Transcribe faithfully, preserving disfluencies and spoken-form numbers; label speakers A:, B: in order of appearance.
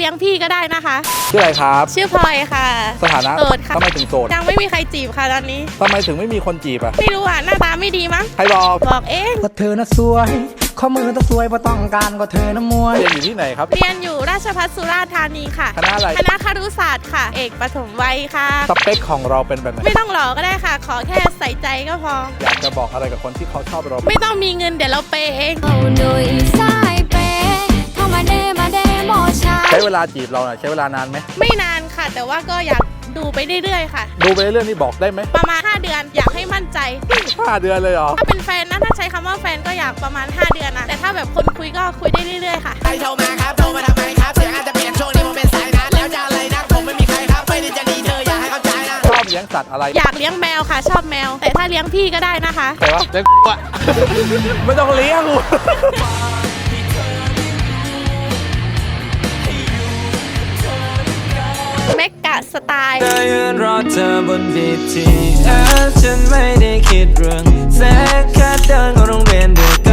A: ลี้ยงพี่ก็ได้นะคะ
B: ชื่ออะไรครับ
A: ชื่อพลอยค่ะ
B: สถานะ
A: โสดค่ะ
B: ทำไมถึงโสด
A: ยังไม่มีใครจีบค่ะตอนนี้
B: ทำไมถึงไม่มีคนจีบอ่ะ
A: ไม่รู้อ่ะหน้าตาไม่ดีมั้ง
B: ใครบอก
A: บอกเอง
C: ก็เธอน่ะสวยข้อมือต้องสวยเพราะต้องการก็เธอน่ะมวย
B: เรียนอยู่ที่ไหนครับ
A: เรียนอยู่ราชภัฏสุราษฎร์ธานีค่ะ
B: คณะอะไร
A: คณะครุศาสตร์ค่ะเอกปฐมวัยค่ะ
B: สเปคของเราเป็นแบบไหน
A: ไม่ต้องหล่อก็ได้ค่ะขอแค่ใส่ใจก็พอ
B: อยากจะบอกอะไรกับคนที่เขาชอบเรา
A: ไม่ต้องมีเงินเดี๋ยวเราเปย์เอง
B: ใช้เวลาจีบเราใช้เวลานานไหม
A: ไม่นานค่ะแต่ว่าก็อยากดูไปเรื่อยๆค่ะ
B: ดูไปเรื่อยๆนี่บอกได้ไหม
A: ประมาณห้าเดือนอยากให้มั่นใจ
B: ห้าเดือนเลยเหรอ
A: ถ้าเป็นแฟนนะถ้าใช้คำว่าแฟนก็อยากประมาณห้าเดือนนะแต่ถ้าแบบคนคุยก็คุยได้เรื่อยๆค่ะ
D: ใครโทรมาครับโทรมาทำไมครับเสียงอาจจะเปลี่ยนช่วงนี้ผมเป็นสายนัดแล้วจะอะไรนะผมไม่มีใครครับไม่ได้จะดีเธออยากให้เข้าใจนะ
B: ชอบเลี้ยงสัตว์อะไร
A: อยากเลี้ยงแมวค่ะชอบแมวแต่ถ้าเลี้ยงพี่ก็ได้นะคะ
B: แต่ว่าเลี้ยงกูอะไม่ต้องเลี้ยงกู
A: เมกะสไตล์
E: ได้ยืนรอเธอบน บี ที เอส ฉันไม่ได้คิดเรื่องแค่แค่เดินเข้าโรงเรียนด้วย